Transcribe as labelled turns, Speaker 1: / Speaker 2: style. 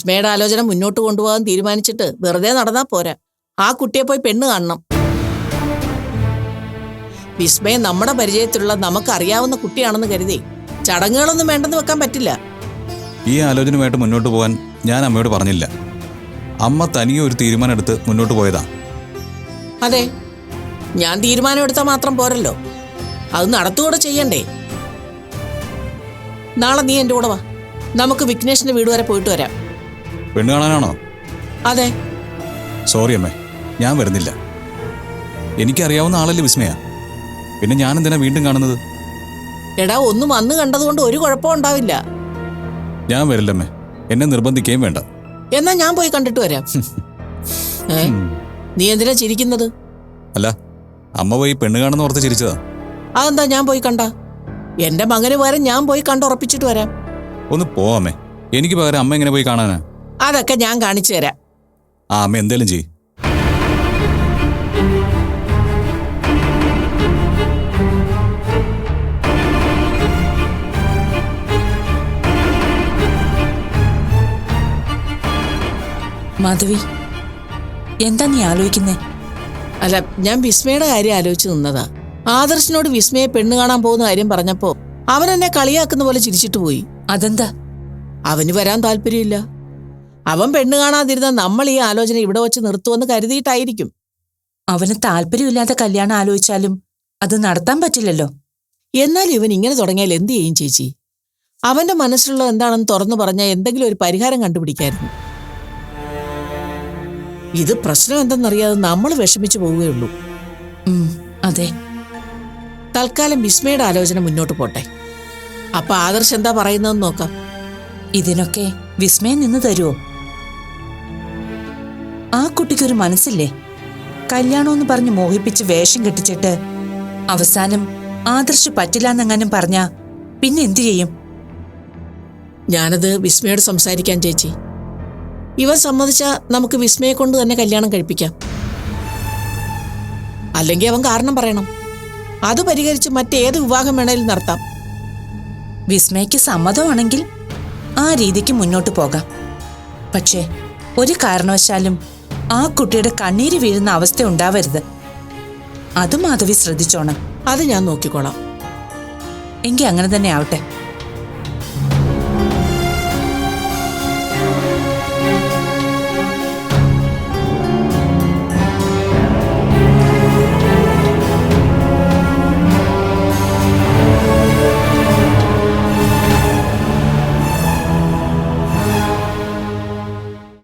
Speaker 1: വിസ്മയുടെ ആലോചന മുന്നോട്ട് കൊണ്ടുപോകാൻ തീരുമാനിച്ചിട്ട് വെറുതെ നടന്നാ പോരാ. ആ കുട്ടിയെ പോയി പെണ്ണ് കാണണം. വിസ്മയ നമ്മുടെ പരിചയത്തിലുള്ള നമുക്കറിയാവുന്ന കുട്ടിയാണെന്ന് കരുതി ചടങ്ങുകളൊന്നും വേണ്ടെന്ന് വെക്കാൻ പറ്റില്ല.
Speaker 2: ഈ ആലോചനയുമായിട്ട് മുന്നോട്ട് പോകാൻ ഞാൻ അമ്മയോട് പറഞ്ഞില്ല. അമ്മ തനിയെ ഒരു തീരുമാനം എടുത്ത് മുന്നോട്ട് പോയതാ.
Speaker 1: അതെ, ഞാൻ തീരുമാനം എടുത്താൽ മാത്രം പോരല്ലോ, അത് നടത്തുകൂടെ ചെയ്യണ്ടേ. നാളെ നീ എൻ്റെ കൂടെ വാ, നമുക്ക് വിഘ്നേഷിന്റെ വീട് വരെ പോയിട്ട് വരാം.
Speaker 2: പെണ്ണ് കാണാനാണോ?
Speaker 1: അതെ.
Speaker 2: സോറി അമ്മേ, ഞാൻ വരുന്നില്ല. എനിക്കറിയാവുന്ന ആളല്ലേ വിസ്മയ, പിന്നെ ഞാൻ എന്തിനാ വീണ്ടും കാണുന്നത്?
Speaker 1: എടാ, ഒന്നും വന്ന് കണ്ടതുകൊണ്ട് ഒരു കുഴപ്പം ഉണ്ടാവില്ല.
Speaker 2: ഞാൻ വരില്ലമ്മേ, എന്നെ നിർബന്ധിക്കുകയും വേണ്ട.
Speaker 1: എന്നാ ഞാൻ പോയി കണ്ടിട്ട് വരാം. നീ എന്തിനാ ചിരിക്കുന്നത്?
Speaker 2: അല്ല, അമ്മ പോയി പെണ്ണ് കാണുന്ന ഓർത്ത് ചിരിച്ചതാ.
Speaker 1: അതെന്താ ഞാൻ പോയി കണ്ട? എന്റെ മകന് പകരം ഞാൻ പോയി കണ്ടുറപ്പിച്ചിട്ട് വരാം.
Speaker 2: ഒന്ന് പോവാമേ, എനിക്ക് പകരം അമ്മ എങ്ങനെ പോയി കാണാനാ?
Speaker 1: അതൊക്കെ ഞാൻ കാണിച്ചു തരാം.
Speaker 2: ആ അമ്മ എന്തേലും ചെയ്യ്.
Speaker 3: മാധവി, എന്താ നീ ആലോചിക്കുന്നേ?
Speaker 1: അല്ല, ഞാൻ വിസ്മയുടെ കാര്യം ആലോചിച്ച് നിന്നതാ. ആദർശിനോട് വിസ്മയെ പെണ്ണ് കാണാൻ പോകുന്ന കാര്യം പറഞ്ഞപ്പോ അവൻ എന്നെ കളിയാക്കുന്ന പോലെ ചിരിച്ചിട്ട് പോയി.
Speaker 3: അതെന്താ?
Speaker 1: അവന് വരാൻ താല്പര്യമില്ല. അവൻ പെണ്ണ് കാണാതിരുന്ന നമ്മൾ ഈ ആലോചന ഇവിടെ വെച്ച് നിർത്തുമെന്ന് കരുതിയിട്ടായിരിക്കും.
Speaker 3: അവന് താല്പര്യമില്ലാത്ത കല്യാണം ആലോചിച്ചാലും അത് നടത്താൻ പറ്റില്ലല്ലോ.
Speaker 1: എന്നാൽ ഇവൻ ഇങ്ങനെ തുടങ്ങിയാൽ എന്ത് ചെയ്യും ചേച്ചി? അവന്റെ മനസ്സിലുള്ള എന്താണെന്ന് തുറന്നു പറഞ്ഞാൽ എന്തെങ്കിലും ഒരു പരിഹാരം കണ്ടുപിടിക്കായിരുന്നു. ഇത് പ്രശ്നം എന്തെന്നറിയാതെ നമ്മൾ വിഷമിച്ചു പോവുകയുള്ളൂ.
Speaker 3: അതെ.
Speaker 1: തൽക്കാലം വിസ്മയുടെ ആലോചന മുന്നോട്ട് പോട്ടെ. അപ്പൊ ആദർശ് എന്താ പറയുന്നതെന്ന് നോക്കാം.
Speaker 3: ഇതിനൊക്കെ വിസ്മയം നിന്ന് തരുമോ? ആ കുട്ടിക്കൊരു മനസ്സില്ലേ? കല്യാണമെന്ന് പറഞ്ഞ് മോഹിപ്പിച്ച് വേഷം കെട്ടിച്ചിട്ട് അവസാനം ആദർശ് പറ്റില്ലാന്നെങ്ങാനും പറഞ്ഞാ പിന്നെ എന്തു ചെയ്യും?
Speaker 1: ഞാനത് വിസ്മയോട് സംസാരിക്കാൻ ചേച്ചി. ഇവൻ സമ്മതിച്ചാ നമുക്ക് വിസ്മയെ കൊണ്ട് തന്നെ കല്യാണം കഴിപ്പിക്കാം. അല്ലെങ്കിൽ അവൻ കാരണം പറയണം. അത് പരിഹരിച്ച് മറ്റേത് വിവാഹം വേണേലും നടത്താം.
Speaker 3: വിസ്മയ്ക്ക് സമ്മതമാണെങ്കിൽ ആ രീതിക്ക് മുന്നോട്ട് പോകാം. പക്ഷേ ഒരു കാരണവശാലും ആ കുട്ടിയുടെ കണ്ണീര് വീഴുന്ന അവസ്ഥ ഉണ്ടാവരുത്. അത് മാധവി ശ്രദ്ധിച്ചോണം.
Speaker 1: അത് ഞാൻ നോക്കിക്കോളാം.
Speaker 3: എങ്കിൽ അങ്ങനെ തന്നെ ആവട്ടെ.